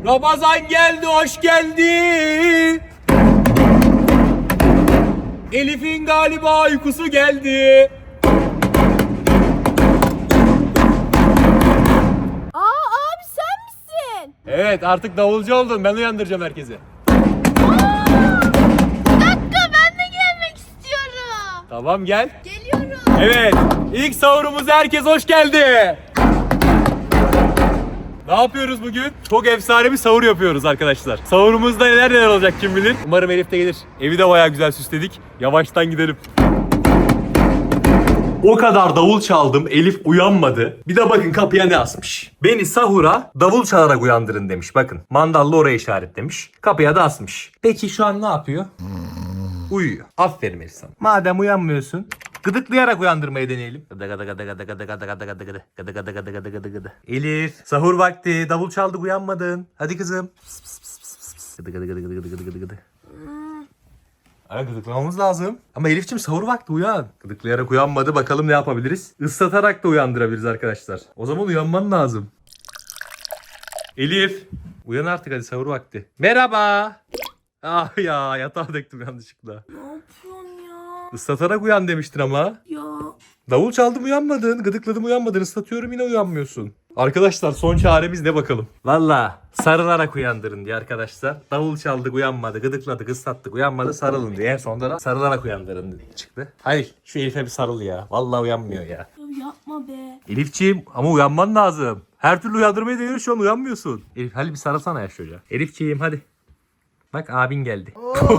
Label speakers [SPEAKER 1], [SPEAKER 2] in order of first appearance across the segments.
[SPEAKER 1] Ramazan geldi, hoş geldi. Elif'in galiba uykusu geldi.
[SPEAKER 2] Abi sen misin?
[SPEAKER 1] Evet, artık davulcu oldum. Ben uyandıracağım herkesi.
[SPEAKER 2] Bir dakika, ben de gelmek istiyorum.
[SPEAKER 1] Tamam, gel.
[SPEAKER 2] Geliyorum.
[SPEAKER 1] Evet, ilk sahurumuza herkes hoş geldi. Ne yapıyoruz bugün? Çok efsane bir sahur yapıyoruz arkadaşlar. Sahurumuzda neler olacak kim bilir. Umarım Elif de gelir. Evi de bayağı güzel süsledik. Yavaştan gidelim. O kadar davul çaldım, Elif uyanmadı. Bir de bakın kapıya ne asmış. Beni sahura davul çalarak uyandırın demiş. Bakın mandalla oraya işaretlemiş. Kapıya da asmış. Peki şu an ne yapıyor? Uyuyor. Aferin Elif sana. Madem uyanmıyorsun, gıdıklayarak uyandırmayı deneyelim. Gıdı gıdı gıdı gıdı gıdı gıdı gıdı gıdı gıdı. Gıdı gıdı gıdı gıdı gıdı gıdı. Elif, sahur vakti. Davul çaldık, uyanmadın. Hadi kızım. Pıs pıs pıs pıs pıs pıs. Gıdı gıdı gıdı gıdı gıdı gıdı gıdı gıdı. Ay, gıdıklamamız lazım. Ama Elif'ciğim sahur vakti, uyan. Gıdıklayarak uyanmadı. Bakalım ne yapabiliriz? Islatarak da uyandırabiliriz arkadaşlar. O zaman uyanman lazım. Elif. Uyan artık hadi, sahur vakti. Merhaba. Ah ya, yatağa döktüm yanlışlıkla.
[SPEAKER 2] Ne yapıyorsun ya?
[SPEAKER 1] Islatarak uyan demiştin ama.
[SPEAKER 2] Ya.
[SPEAKER 1] Davul çaldım uyanmadın. Gıdıkladım uyanmadın. Islatıyorum yine uyanmıyorsun. Arkadaşlar son çaremiz ne bakalım? Valla sarılarak uyandırın diye arkadaşlar. Davul çaldık uyanmadı. Gıdıkladık ıslattık uyanmadı, sarılın diye. En sonunda da sarılarak uyandırın diye çıktı. Hadi şu Elif'e bir sarıl ya. Valla uyanmıyor ya.
[SPEAKER 2] Ya yapma be.
[SPEAKER 1] Elif'ciğim ama uyanman lazım. Her türlü uyandırmayı deniyoruz, şu an uyanmıyorsun. Elif hadi bir sarılsana ya çocuğa. Elif'ciğim hadi. Bak abin geldi.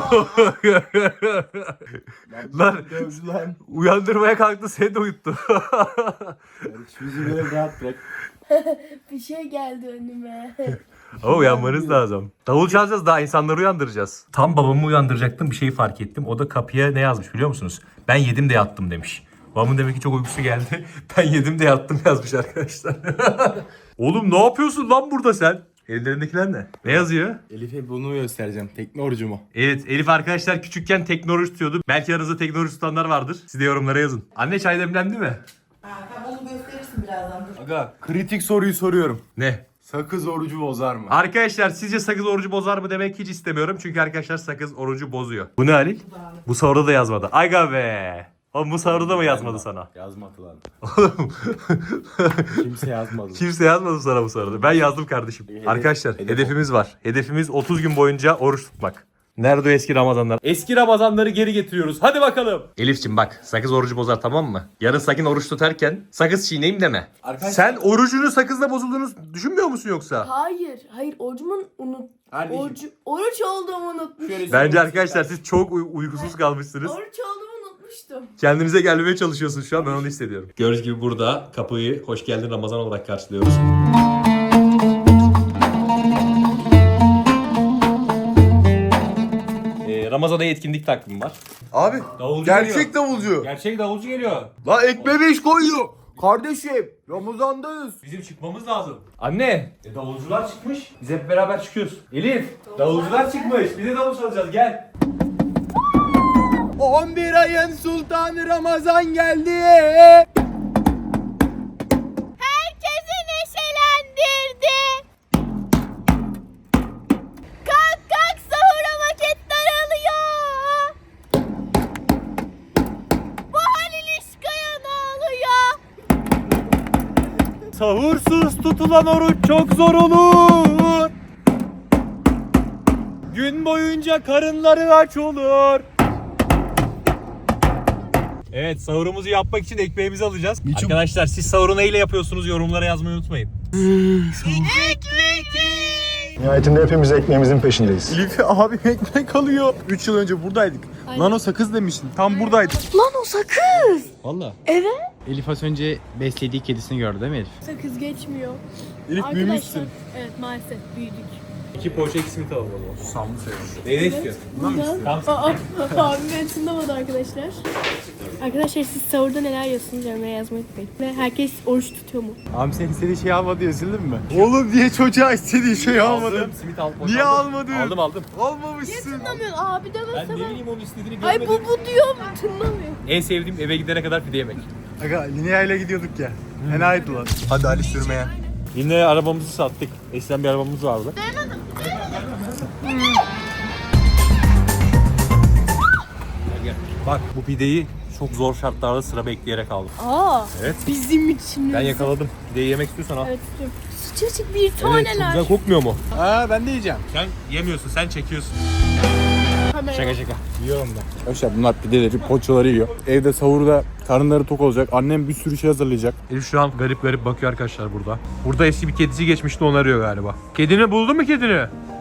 [SPEAKER 1] Lan uyandırmaya kalktı, seni de uyuttu.
[SPEAKER 3] Bizi böyle rahat bırak.
[SPEAKER 2] Bir şey geldi önüme.
[SPEAKER 1] Ama uyanmanız lazım. Davul çalacağız, daha insanları uyandıracağız. Tam babamı uyandıracaktım, bir şeyi fark ettim. O da kapıya ne yazmış biliyor musunuz? Ben yedim de yattım demiş. Babamın demek ki çok uykusu geldi. Ben yedim de yattım yazmış arkadaşlar. Oğlum ne yapıyorsun lan burada sen? Ellerindekiler ne? Ne yazıyor?
[SPEAKER 3] Elif'e bunu göstereceğim. Tekne orucumu.
[SPEAKER 1] Evet, Elif arkadaşlar küçükken teknoloji tutuyordu. Belki aranızda teknoloji tutanlar vardır. Siz de yorumlara yazın. Anne çay demlendi mi?
[SPEAKER 4] Tamam, onu gösterirsin birazdan, dur.
[SPEAKER 3] Aga kritik soruyu soruyorum.
[SPEAKER 1] Ne?
[SPEAKER 3] Sakız orucu bozar mı?
[SPEAKER 1] Arkadaşlar sizce sakız orucu bozar mı demek hiç istemiyorum. Çünkü arkadaşlar sakız orucu bozuyor. Bu ne Halil? Bu sahurda da yazmadı. Aga be. Oğlum bu sahurda da mı yazmadı sana?
[SPEAKER 3] Yazmadı lan.
[SPEAKER 1] Oğlum.
[SPEAKER 3] Kimse yazmadı.
[SPEAKER 1] Kimse yazmadı sana bu sahurda. Ben yazdım kardeşim. Arkadaşlar hedefimiz var. Hedefimiz 30 gün boyunca oruç tutmak. Nerede o eski Ramazanlar? Eski Ramazanları geri getiriyoruz. Hadi bakalım. Elif'ciğim bak, sakız orucu bozar tamam mı? Yarın sakın oruç tutarken sakız çiğneyim deme.
[SPEAKER 3] Arkadaşlar-
[SPEAKER 1] Sen orucunu sakızla bozulduğunu düşünmüyor musun yoksa?
[SPEAKER 2] Hayır, orucumun
[SPEAKER 3] Kardeşim.
[SPEAKER 2] oruç olduğumu unutmuştum.
[SPEAKER 3] Şöyle
[SPEAKER 1] Bence arkadaşlar siz çok uykusuz kalmışsınız.
[SPEAKER 2] Oruç olduğumu unutmuştum.
[SPEAKER 1] Kendinize gelmeye çalışıyorsunuz şu an, ben onu hissediyorum. Gördüğünüz gibi burada kapıyı hoş geldin Ramazan olarak karşılıyoruz. Ramazan'a etkinlik takvimi var.
[SPEAKER 3] Abi
[SPEAKER 1] Davulcu
[SPEAKER 3] gerçek
[SPEAKER 1] geliyor.
[SPEAKER 3] davulcu.
[SPEAKER 1] Gerçek davulcu geliyor.
[SPEAKER 3] La ekmeğe iş koyuyor. Kardeşim Ramazan'dayız.
[SPEAKER 1] Bizim çıkmamız lazım. Anne, davulcular çıkmış. Biz hep beraber çıkıyoruz. Elif, davulcular çıkmış. Biz de davul çalacağız, gel.
[SPEAKER 3] 11 ayın sultanı Ramazan geldi.
[SPEAKER 2] Herkesi neşelendirdi. Kalk kalk, sahura vakit daralıyor. Bu Halil İşkaya ne oluyor?
[SPEAKER 1] Sahursuz tutulan oruç çok zor olur. Gün boyunca karınları aç olur. Evet, sahurumuzu yapmak için ekmeğimizi alacağız. Arkadaşlar siz sahuru neyle yapıyorsunuz, yorumlara yazmayı unutmayın.
[SPEAKER 5] Nihayetinde hepimiz ekmeğimizin peşindeyiz.
[SPEAKER 3] Elif abi ekmek alıyor. 3 yıl önce buradaydık. Lan o sakız demiştin. Tam buradaydık.
[SPEAKER 2] Lan o sakız.
[SPEAKER 3] Valla.
[SPEAKER 2] Evet.
[SPEAKER 6] Elif az önce beslediği kedisini gördü değil mi Elif?
[SPEAKER 2] Sakız geçmiyor.
[SPEAKER 3] Elif büyümüşsün.
[SPEAKER 2] Evet, maalesef büyüdük.
[SPEAKER 1] 2 poğaça simit alalım o zaman.
[SPEAKER 3] Susamlı seviyorum.
[SPEAKER 1] Neyi istiyorsun?
[SPEAKER 2] Abim beni tınlamadı arkadaşlar. Arkadaşlar siz sahurda neler yiyorsunuz yorumlara yazmayı unutmayın. Ve herkes oruç tutuyor mu?
[SPEAKER 3] Abi sen istediği şeyi almadı diye üzüldün mü? Oğlum niye çocuğa istediği şeyi almadın?
[SPEAKER 1] Simit al.
[SPEAKER 3] Niye almadın?
[SPEAKER 1] Aldım.
[SPEAKER 3] Almamışsın.
[SPEAKER 2] Tınlamıyorsun abi
[SPEAKER 1] Ben
[SPEAKER 2] demesene.
[SPEAKER 1] ne bileyim onun istediğini
[SPEAKER 2] Ay
[SPEAKER 1] görmedim.
[SPEAKER 2] bu diyor mu? Tınlamıyor.
[SPEAKER 1] En sevdiğim eve gidene kadar pide yemek.
[SPEAKER 3] Aga Linea'yla ile gidiyorduk ya. Enaydi lan. Hadi Ali sürmeye.
[SPEAKER 1] Yine arabamızı sattık. Eskiden bir arabamız vardı. Bak bu pideyi çok zor şartlarda sıra bekleyerek aldım.
[SPEAKER 2] Aa.
[SPEAKER 1] Evet.
[SPEAKER 2] Bizim için.
[SPEAKER 1] Ben yakaladım. Pideyi yemek istiyorsan al.
[SPEAKER 2] Evet istiyorum. Sıcacık bir
[SPEAKER 1] Evet, çok
[SPEAKER 2] taneler.
[SPEAKER 1] güzel kokmuyor mu?
[SPEAKER 3] Ha ben de yiyeceğim.
[SPEAKER 1] Sen yemiyorsun, sen çekiyorsun.
[SPEAKER 2] Kamera.
[SPEAKER 1] Şaka şaka.
[SPEAKER 3] Yiyorum ben. Arkadaşlar bunlar pideleri, poğaçaları yiyor. Evde sahurda karınları tok olacak. Annem bir sürü şey hazırlayacak.
[SPEAKER 1] Elif şu an garip garip bakıyor arkadaşlar burada. Burada eski bir kedisi geçmişti, onu arıyor galiba. Kedini buldun mu kedini?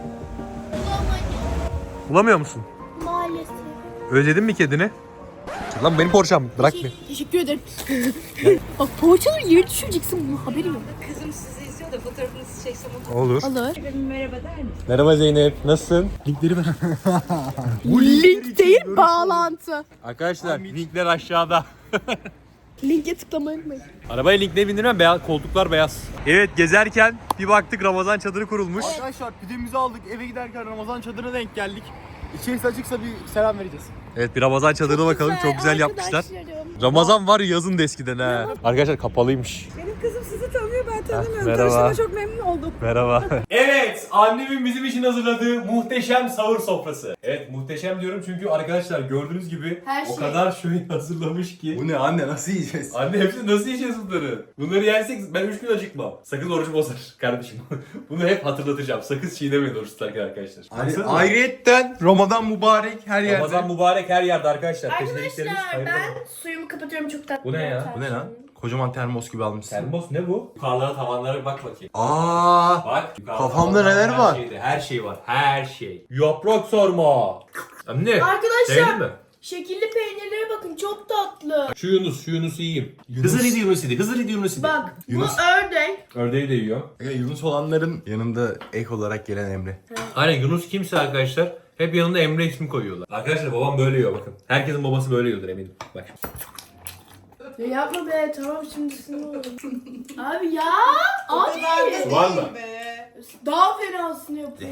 [SPEAKER 1] Bulamıyor musun?
[SPEAKER 2] Maalesef.
[SPEAKER 1] Özledin mi kedini? Lan benim porçam, bırak bir.
[SPEAKER 2] Teşekkür ederim. Bak poğaçaları yere düşüreceksin, bunun haberi yok.
[SPEAKER 4] Kızım sizi izliyor da fotoğrafınızı çeksem
[SPEAKER 1] Olur.
[SPEAKER 2] Alır.
[SPEAKER 4] merhaba der misin?
[SPEAKER 1] Merhaba Zeynep, nasılsın? Linkleri ver.
[SPEAKER 2] Link değil, bağlantı.
[SPEAKER 1] Arkadaşlar linkler aşağıda.
[SPEAKER 2] Linke tıklamayı unutmayın.
[SPEAKER 1] Arabaya linkleri bindirmem, beyaz, koltuklar beyaz. Evet, gezerken bir baktık Ramazan çadırı kurulmuş.
[SPEAKER 3] Arkadaşlar pidemizi aldık. Eve giderken Ramazan çadırına denk geldik. İçerisi açıksa bir selam vereceğiz.
[SPEAKER 1] Evet, bir Ramazan çadırına bakalım, çok güzel yapmışlar.
[SPEAKER 2] Arkadaşlarım.
[SPEAKER 1] Ramazan var yazın da eskiden ha. Arkadaşlar kapalıymış.
[SPEAKER 4] Benim kızım sizi tanıyor, ben tanımıyorum.
[SPEAKER 1] merhaba.
[SPEAKER 4] Tanıştığıma çok memnun oldum.
[SPEAKER 1] Merhaba. Evet, annemin bizim için hazırladığı muhteşem sahur sofrası. Evet, muhteşem diyorum çünkü arkadaşlar gördüğünüz gibi
[SPEAKER 2] Her
[SPEAKER 1] o
[SPEAKER 2] şey.
[SPEAKER 1] kadar şey hazırlamış ki.
[SPEAKER 3] Bu ne anne, nasıl yiyeceğiz?
[SPEAKER 1] Anne hepsini nasıl yiyeceğiz bunları? Bunları yersek ben 3 gün acıkmam. Sakız orucu bozar kardeşim. Bunu hep hatırlatacağım. Sakız çiğnemeyin oruç tutarken arkadaşlar. Baksana.
[SPEAKER 3] Ayrıyetten Ramazan mübarek her yerde.
[SPEAKER 1] Ramazan mübarek her yerde arkadaşlar.
[SPEAKER 2] Arkadaşlar
[SPEAKER 1] Peşindeliklerimiz hayırlı olsun.
[SPEAKER 2] ben suyumu kapatıyorum, çok tatlı.
[SPEAKER 1] Bu ne ya?
[SPEAKER 3] Bu ne lan? Kocaman termos gibi almışsın.
[SPEAKER 1] Termos ne bu? Yukarılara tavanlara bir bak bakayım.
[SPEAKER 3] Aa,
[SPEAKER 1] Bak. yukarıda
[SPEAKER 3] Kafamda
[SPEAKER 1] tavanlarda
[SPEAKER 3] neler var?
[SPEAKER 1] Her şey var. Her şey. Yaprak sarma. Anne.
[SPEAKER 2] Arkadaşlar
[SPEAKER 1] Sevdin mi?
[SPEAKER 2] şekilli peynirlere bakın, çok tatlı.
[SPEAKER 1] Şu Yunus'u yiyeyim. Hızır Yunus'u. Hızır Yunus'u.
[SPEAKER 2] Bak
[SPEAKER 3] Yunus.
[SPEAKER 2] bu ördek.
[SPEAKER 1] Ördeği de yiyor.
[SPEAKER 3] Yunus olanların yanında ek olarak gelen Emre.
[SPEAKER 1] Aynen, Yunus kimse arkadaşlar hep yanında Emre ismi koyuyorlar. Arkadaşlar babam böyle yiyor bakın. Herkesin babası böyle yiyordur eminim. Bak.
[SPEAKER 2] Ya yapma be, tamam şimdi sinir oldum. Abi ya. Abi.
[SPEAKER 1] Var mı?
[SPEAKER 2] Daha fenasını yapıyor.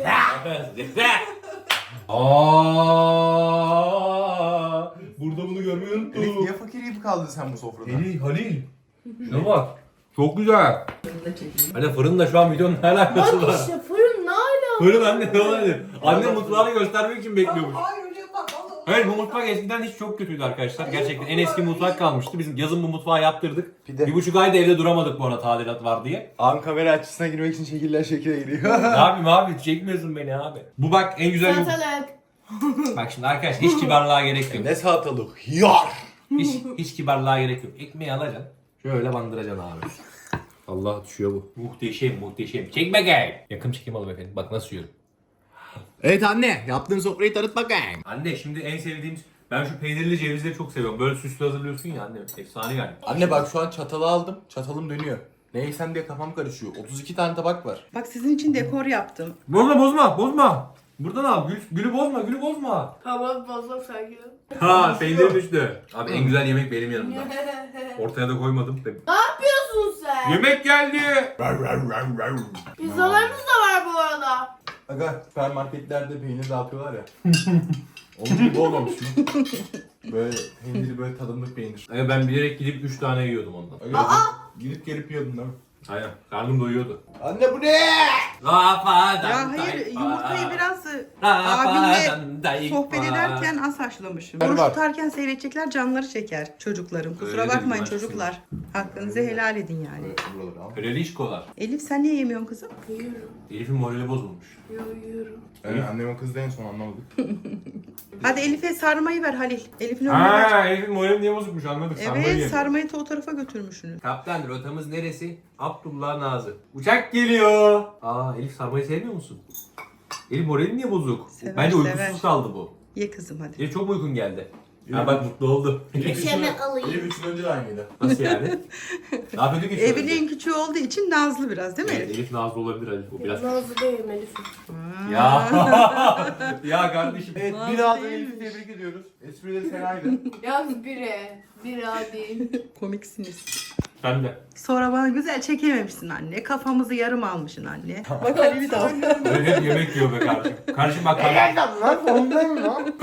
[SPEAKER 1] Aa, burada bunu görmeyi unuttum.
[SPEAKER 3] fakir gibi kaldın sen bu sofrada?
[SPEAKER 1] Halil. Şuna bak. Çok güzel. Anne fırın da şu an videonun ne alakası
[SPEAKER 2] Bak
[SPEAKER 1] var?
[SPEAKER 2] işte fırın ne ala?
[SPEAKER 1] Fırın anne ne olabilir? Anne mutfağını göstermek için bekliyormuş.
[SPEAKER 4] Hayır hocam bak onu.
[SPEAKER 1] Hayır, bu mutfak eskiden hiç çok kötüydü arkadaşlar. Gerçekten en eski mutfak kalmıştı. Biz yazın bu mutfağı yaptırdık.
[SPEAKER 3] Pide.
[SPEAKER 1] 1,5 ayda evde duramadık bu arada, tadilat var diye.
[SPEAKER 3] Abi kamera açısına girmek için şekiller şekile giriyor.
[SPEAKER 1] Ne yapayım abi, çekmiyorsun beni abi. Bu bak en güzel
[SPEAKER 2] Salatalık.
[SPEAKER 1] Bak şimdi arkadaşlar hiç kibarlığa gerek yok.
[SPEAKER 3] Ne salatalık? Yar!
[SPEAKER 1] Hiç kibarlığa gerek yok. Ekmeği alacaksın. Şöyle bandıracaksın abi. Allah düşüyor bu. Muhteşem. Çek bakayım. Yakın çekim alalım efendim. Bak nasıl yiyorum.
[SPEAKER 3] Evet anne, yaptığın sofrayı tanıt bakayım.
[SPEAKER 1] Anne şimdi en sevdiğim... Ben şu peynirli cevizleri çok seviyorum. Böyle süslü hazırlıyorsun ya anne. Efsane yani.
[SPEAKER 3] Anne bak şu an çatalı aldım. Çatalım dönüyor. Ne yesem diye kafam karışıyor. 32 tane tabak var.
[SPEAKER 4] Bak sizin için dekor yaptım.
[SPEAKER 1] Bozma. Buradan al. Gülü bozma.
[SPEAKER 2] Tamam fazla sakin ol.
[SPEAKER 1] Ha, peynir düştü. Abi en güzel yemek benim yanımda. Ortaya da koymadım.
[SPEAKER 2] Ne yapıyorsun sen?
[SPEAKER 1] Yemek geldi.
[SPEAKER 2] Pizzalarımız da var bu arada.
[SPEAKER 3] Aga süpermarketlerde peynir dağıtıyorlar ya. Onun gibi olmamış mı? Böyle peyniri böyle tadımlık peynir.
[SPEAKER 1] Ben bilerek gidip 3 tane yiyordum ondan.
[SPEAKER 3] Aga, gidip gelip yiyordun değil mi?
[SPEAKER 1] Aynen. Karnım doyuyordu.
[SPEAKER 3] Anne bu ne?
[SPEAKER 4] Ya hayır yumurtayı biraz abinle sohbet ederken az haşlamışım. Oruç
[SPEAKER 3] Var.
[SPEAKER 4] tutarken seyredecekler, canları çeker çocuklarım. Kusura
[SPEAKER 1] Öyle
[SPEAKER 4] bakmayın
[SPEAKER 1] dedim ben
[SPEAKER 4] çocuklar. Hakkınızı helal edin yani.
[SPEAKER 3] Buraları al.
[SPEAKER 1] Kraliçkolar.
[SPEAKER 4] Elif sen niye yemiyorsun kızım?
[SPEAKER 2] Yiyorum.
[SPEAKER 1] Elif'in morali bozulmuş.
[SPEAKER 2] Yiyorum.
[SPEAKER 3] Evet, annem o kızdı en son anlamadık.
[SPEAKER 4] Hadi Elif'e sarmayı ver Halil. Elif'in önüne ver.
[SPEAKER 1] Ha, Elif'in morali niye bozukmuş anladık.
[SPEAKER 4] Evet sarmayı da o tarafa götürmüşsünüz.
[SPEAKER 1] Kaptan rotamız neresi? Abdullah Nazı. Uçak geliyor. Aa, Elif sarmayı sevmiyor musun? Elif morali niye bozuk?
[SPEAKER 4] Sever,
[SPEAKER 1] Bence uykusuz
[SPEAKER 4] sever.
[SPEAKER 1] kaldı bu.
[SPEAKER 4] Ye kızım hadi.
[SPEAKER 1] Elif çok mu uykun geldi? Ha bak mutlu oldu.
[SPEAKER 2] Peşeme alayım.
[SPEAKER 3] Elif 3 yıl önce de aynıydı.
[SPEAKER 1] Nasıl yani? Ne yapıyorduk ki?
[SPEAKER 4] Evliliğin küçüğü olduğu için nazlı biraz değil mi
[SPEAKER 1] Evet,
[SPEAKER 4] Elif?
[SPEAKER 1] Elif nazlı olabilir Elif. O biraz.
[SPEAKER 2] Nazlı değilim Elif'im.
[SPEAKER 1] Ya. Ya kardeşim.
[SPEAKER 3] Evet bir daha da Elif'i tebrik ediyoruz. Esprileri fenaydı.
[SPEAKER 2] Yalnız biri. Biri değil.
[SPEAKER 4] Komiksiniz.
[SPEAKER 1] Sen de.
[SPEAKER 4] Sonra bana güzel çekememişsin anne. Kafamızı yarım almışsın anne. Bak Halil'i de al.
[SPEAKER 1] Öyle hep yemek yiyor be kardeşim. Kardeşim bak kardeşim.
[SPEAKER 3] Lan sonundayım lan.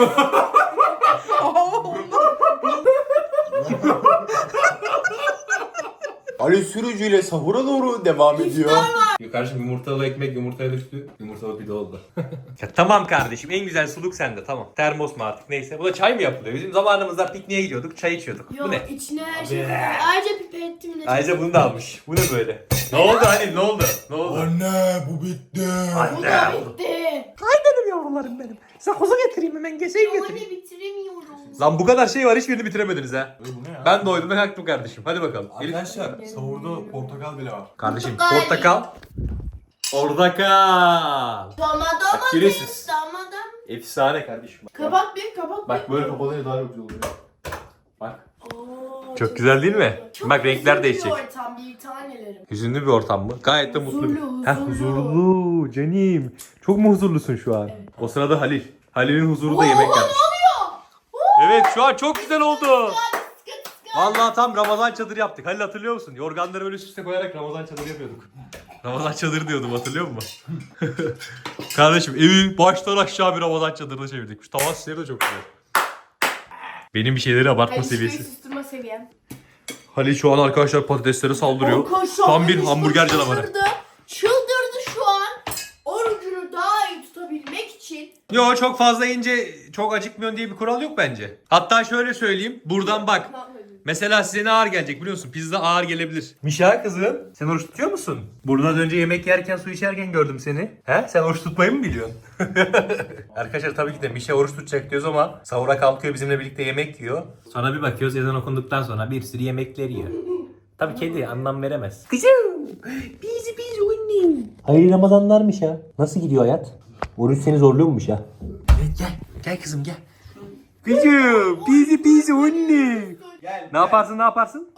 [SPEAKER 3] Ali sürücüyle sahura doğru devam ediyor.
[SPEAKER 1] tabii kardeşim, yumurtalı ekmek yumurtaya düştü. Yumurtalı pide oldu. Ya tamam kardeşim, en güzel suluk sende, tamam. Termos mu artık neyse. Bu da çay mı yapılıyor? Bizim zamanımızda pikniğe gidiyorduk, çay içiyorduk.
[SPEAKER 2] Yok
[SPEAKER 1] Bu ne?
[SPEAKER 2] içine her şey. Ayrıca pipettim de.
[SPEAKER 1] Ayrıca bunu da almış. Bu ne böyle? Ne oldu hani, ne oldu? Ne oldu?
[SPEAKER 3] Anne bu bitti.
[SPEAKER 2] Bu da bitti.
[SPEAKER 1] Benim yavrularım benim. Sakoza getireyim hemen, keseyim
[SPEAKER 2] Ama ne bitiremiyorum.
[SPEAKER 1] Lan bu kadar şey var, hiçbirini bitiremediniz ha.
[SPEAKER 3] Bu ne ya?
[SPEAKER 1] Ben doydum ve kalktım kardeşim. Hadi bakalım. Elif.
[SPEAKER 3] Arkadaşlar sahurda portakal bile var.
[SPEAKER 1] Kardeşim
[SPEAKER 2] Portakal.
[SPEAKER 1] portakal. Portakal.
[SPEAKER 2] Domates.
[SPEAKER 1] Giresiz.
[SPEAKER 2] Domates.
[SPEAKER 1] Efsane kardeşim.
[SPEAKER 2] Kapat bir kapat.
[SPEAKER 3] Bak böyle kapalıyla daha güzel oluyor. Bak.
[SPEAKER 2] Oo,
[SPEAKER 1] Çok güzel değil mi?
[SPEAKER 2] Çok
[SPEAKER 1] Bak renkler
[SPEAKER 2] huzurlu
[SPEAKER 1] değişecek.
[SPEAKER 2] bir ortam, bir tanelerim.
[SPEAKER 1] Hüzünlü bir ortam mı? Gayet de mutlu.
[SPEAKER 2] Huzurlu,
[SPEAKER 1] Heh,
[SPEAKER 2] huzurlu.
[SPEAKER 1] huzurlu canım. Çok mu huzurlusun şu an?
[SPEAKER 2] Evet.
[SPEAKER 1] O sırada Halil. Halil'in huzuru da yemek yapmış. Evet şu an çok güzel oldu. Vallahi tam Ramazan çadırı yaptık. Halil hatırlıyor musun? Yorganları böyle üst üste koyarak Ramazan çadırı yapıyorduk. Ramazan çadırı diyordum, hatırlıyor musun? Kardeşim evi baştan aşağı bir Ramazan çadırına çevirdik. Şu tavan süsleri de çok güzel. Benim bir şeyleri abartma
[SPEAKER 2] Hayır, şurayı
[SPEAKER 1] seviyesi.
[SPEAKER 2] susturma seviyem.
[SPEAKER 1] Halil şu an arkadaşlar patateslere saldırıyor. Tam bir hamburger canavarı.
[SPEAKER 2] Çıldırdı şu an. Orucunu daha iyi tutabilmek için.
[SPEAKER 1] Yo, çok fazla yiyince çok acıkmıyorsun diye bir kural yok bence. Hatta şöyle söyleyeyim. Buradan bak. Mesela size ne ağır gelecek biliyor musun? Pizza ağır gelebilir. Mişa kızım, sen oruç tutuyor musun? Buradan önce yemek yerken, su içerken gördüm seni. He? Sen oruç tutmayı mı biliyorsun? Arkadaşlar tabii ki de Mişa oruç tutacak diyoruz ama sahura kalkıyor, bizimle birlikte yemek yiyor. Sonra bir bakıyoruz, ezan okunduktan sonra bir sürü yemekler yiyor. Tabii kedi anlam veremez. Kızım, bizi annem. Hayırlı Ramazanlar Mişa. Nasıl gidiyor hayat? Oruç seni zorluyor mu Mişa? Evet, gel kızım gel. Kızım, bizi anne. Ne yaparsın?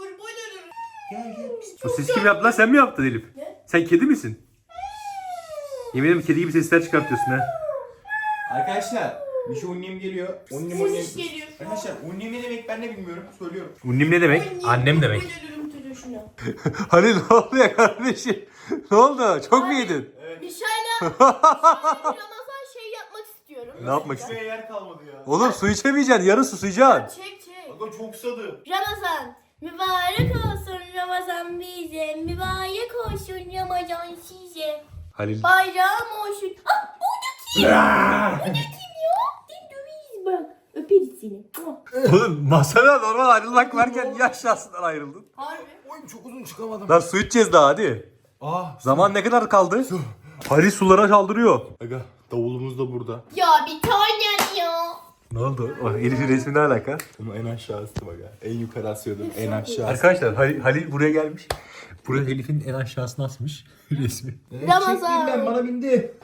[SPEAKER 1] Bu ses kim yaptı lan? Sen mi yaptın Elif? Sen kedi misin? Yemin ederim kedi gibi sesler çıkartıyorsun ha.
[SPEAKER 3] Arkadaşlar bir şey unnim geliyor. Unnim.
[SPEAKER 2] Ses geliyor şu an.
[SPEAKER 3] Arkadaşlar unnim ne demek ben de bilmiyorum. Söylüyorum.
[SPEAKER 1] Unnim ne demek? Annem demek.
[SPEAKER 2] Ölürüm şunu.
[SPEAKER 1] Hani ne oluyor kardeşim? Ne oldu? Çok mu yedin?
[SPEAKER 2] Bir şeyle Ramazan şey yapmak istiyorum.
[SPEAKER 1] Ne yapmak istiyorsun?
[SPEAKER 3] Şuraya yer kalmadı ya.
[SPEAKER 1] Oğlum su içemeyeceksin. Yarın susayacaksın.
[SPEAKER 2] Çek.
[SPEAKER 3] Aga çok susadım.
[SPEAKER 2] Ramazan. Mübarek olsun Ramazan bize. Mübarek olsun Ramazan size.
[SPEAKER 1] Halil.
[SPEAKER 2] Bayram olsun. Ah bu da kim? Bu da kim ya? Sen döveyiz bak. Öperiz seni.
[SPEAKER 1] Oğlum masada normal ayrılmak varken niye aşağısından ayrıldın?
[SPEAKER 2] Harbi.
[SPEAKER 3] Oy çok uzun çıkamadım.
[SPEAKER 1] Lan su içeceğiz daha hadi. Zaman ne kadar kaldı? Halil sulara saldırıyor.
[SPEAKER 3] Aga davulumuz da burada.
[SPEAKER 2] Ya bir tanem ya.
[SPEAKER 1] Ne oldu? O Elif'in resmi ne alaka?
[SPEAKER 3] Ama en aşağısı bak ha. En yukarı asıyordum en aşağısı.
[SPEAKER 1] Arkadaşlar Halil buraya gelmiş. Buraya Elif'in en aşağısına asmış resmi.
[SPEAKER 2] Ramazan.
[SPEAKER 3] Ben bana bindi.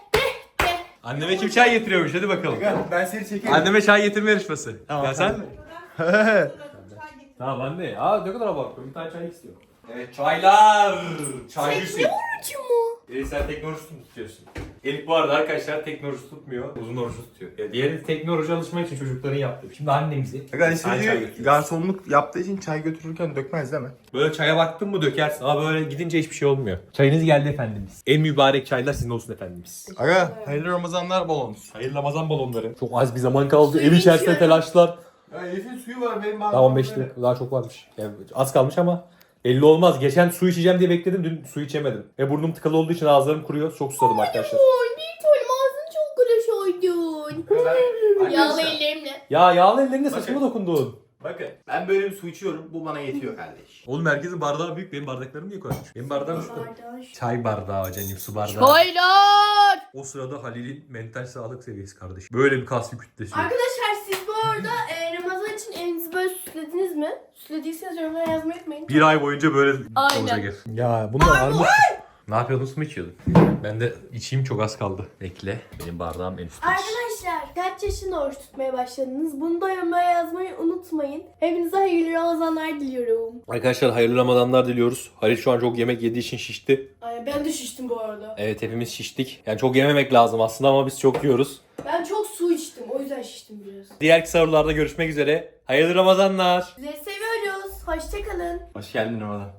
[SPEAKER 1] Anneme kim çay getiriyormuş, hadi bakalım.
[SPEAKER 3] Aga ben seni çekeyim.
[SPEAKER 1] Anneme çay getirme yarışması.
[SPEAKER 3] Tamam,
[SPEAKER 1] ya sen?
[SPEAKER 3] sen
[SPEAKER 1] Tamam anne. Aa ne kadar abartıyor. Bir tane çay istiyor. Evet çaylar. Çay Hüseyin.
[SPEAKER 2] Orucu mu?
[SPEAKER 1] Elif sen tekne orucu tutuyorsun. Elif bu arada arkadaşlar tekne orucu tutmuyor. Uzun orucu tutuyor. Ya diğeri tekne orucu alışmak için çocukların yaptığı. Şimdi annemizi.
[SPEAKER 3] Aga
[SPEAKER 1] çay götürüyor.
[SPEAKER 3] garsonluk yaptığı için çay götürürken dökmez değil mi?
[SPEAKER 1] Böyle çaya baktın mı dökersin. Ama böyle gidince hiçbir şey olmuyor. Çayınız geldi efendimiz. En mübarek çaylar sizin olsun efendimiz.
[SPEAKER 3] Aga hayırlı Ramazanlar bol olsun.
[SPEAKER 1] Hayırlı Ramazan balonları. Çok az bir zaman kaldı. Ev içerisinde telaşlar.
[SPEAKER 3] Ya Elif'in suyu var benim
[SPEAKER 1] Daha 15 dakika daha çok varmış. Yani az kalmış ama belli olmaz. Geçen su içeceğim diye bekledim. Dün su içemedim. Ve burnum tıkalı olduğu için ağızlarım kuruyor. Çok susadım arkadaşlar.
[SPEAKER 2] Oy bir tanem ağzını çok kulaşaydın. Yağlı ellerimle.
[SPEAKER 1] Ya yağlı ellerine saçıma dokundun.
[SPEAKER 3] Bakın ben böyle bir su içiyorum. Bu bana yetiyor kardeş.
[SPEAKER 1] Oğlum herkesin bardağı büyük. Benim bardaklarım niye koymuş? Benim bardağım şu. Çay bardağı canım, su bardağı.
[SPEAKER 2] Çaylar.
[SPEAKER 1] O sırada Halil'in mental sağlık seviyesi kardeşim. Böyle bir kaslı kütlesi.
[SPEAKER 2] Arkadaşlar siz bu arada Ramazan için evinizi böyle süslediniz mi? Süslediyseniz yorumlara yazmayı unutmayın.
[SPEAKER 1] Bir ay boyunca böyle
[SPEAKER 2] Aynen.
[SPEAKER 1] olacak ev. Ya bunlar armut. Ne yapıyordun, su mu içiyordun? Ben de içeyim, çok az kaldı. Bekle. Benim bardağım en üstte.
[SPEAKER 2] Arkadaşlar kaç yaşında oruç tutmaya başladınız? Bunu da yorumlara yazmayı unutmayın. Hepinize hayırlı Ramazanlar diliyorum.
[SPEAKER 1] Arkadaşlar hayırlı Ramazanlar diliyoruz. Halil şu an çok yemek yediği için şişti.
[SPEAKER 2] Ay, ben de şiştim bu arada.
[SPEAKER 1] Evet hepimiz şiştik. Yani çok yememek lazım aslında ama biz çok yiyoruz.
[SPEAKER 2] Ben çok su içtim. O yüzden şiştim biraz.
[SPEAKER 1] Diğer sahurlarda görüşmek üzere. Hayırlı Ramazanlar.
[SPEAKER 2] Sizi seviyoruz. Hoşçakalın.
[SPEAKER 3] Hoş geldin Ramazan.